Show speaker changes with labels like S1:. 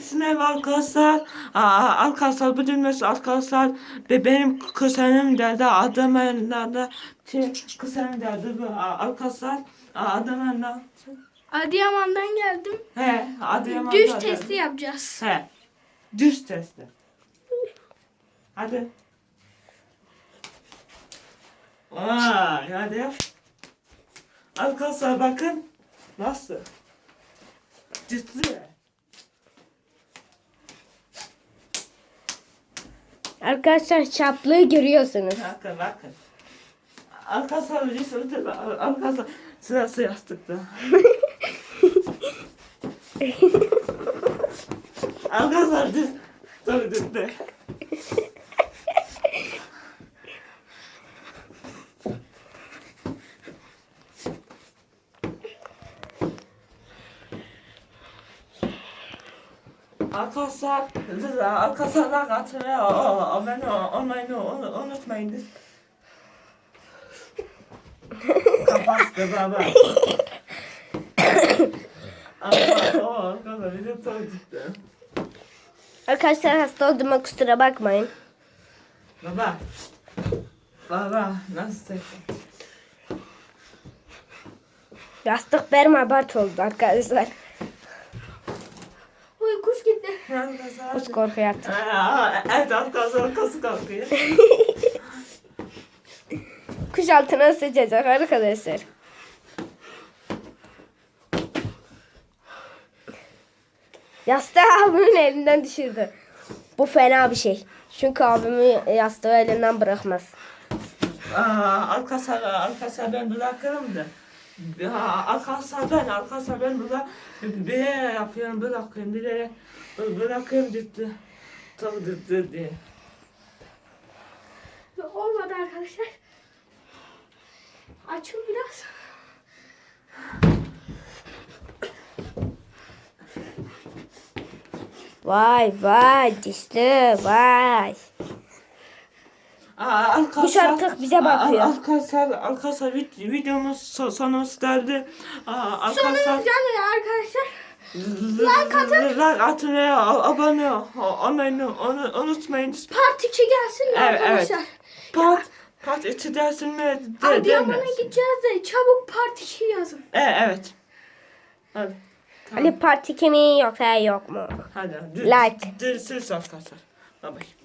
S1: Sınav arkadaşlar. Arkadaşlar bu cümlesi arkadaşlar ve benim kuzenim derdi Adıyaman'da kuzenim derdi bu arkadaşlar Adıyaman'da.
S2: Adıyaman'dan geldim.
S1: He, Adıyaman'da.
S2: Düz testi yapacağız.
S1: He. Düz testi. Hadi. Vay, hadi yap. Arkadaşlar bakın. Nasıl? Ciddi.
S3: Arkadaşlar çaplığı görüyorsunuz.
S1: Bakın. Arkadaşlar bir sırtı arkadaşlar sırası yastıkta. Arkadaşlar düz. Dur. Arkadaşlar katılmaya abone olmayı unutmayın. Kapattı baba. Arkadaşlar video çok ciddi.
S3: Arkadaşlar hasta olduğuma kusura bakmayın.
S1: Baba nasıl çekti?
S3: Yastık benim abart oldu arkadaşlar.
S2: Uy kuş gitti.
S3: Kuş korku yattı.
S1: Evet arkadaşlar kası kalkıyor.
S3: Kuş altına sıçacak arkadaşlar. Yastığı abimin elinden düşürdü. Bu fena bir şey. Çünkü abimin yastığı elinden bırakmaz.
S1: Arkadaşlar ben bırakırım da. Arkadaşlar ben burada bir yere yapıyorum bırakıyorum ciddi. Çok ciddi diye.
S2: Olmadı arkadaşlar. Açıl biraz.
S3: Vay dişli vay. Kuş artık bize bakıyor.
S1: Arkadaşlar videomuz sonumuz geldi.
S2: Sonumuz gelmiyor arkadaşlar. Like atın.
S1: Like atın ve abone olmayı unutmayın.
S2: Part 2 gelsin mi arkadaşlar?
S1: Part 2 dersin mi?
S2: Adıyaman'a gideceğiz de çabuk part 2 yazın.
S1: Evet. Hadi.
S3: Ali part 2 mi yoksa yok mu?
S1: Hadi.
S3: Like.
S1: Görüşürüz arkadaşlar. Bye bye.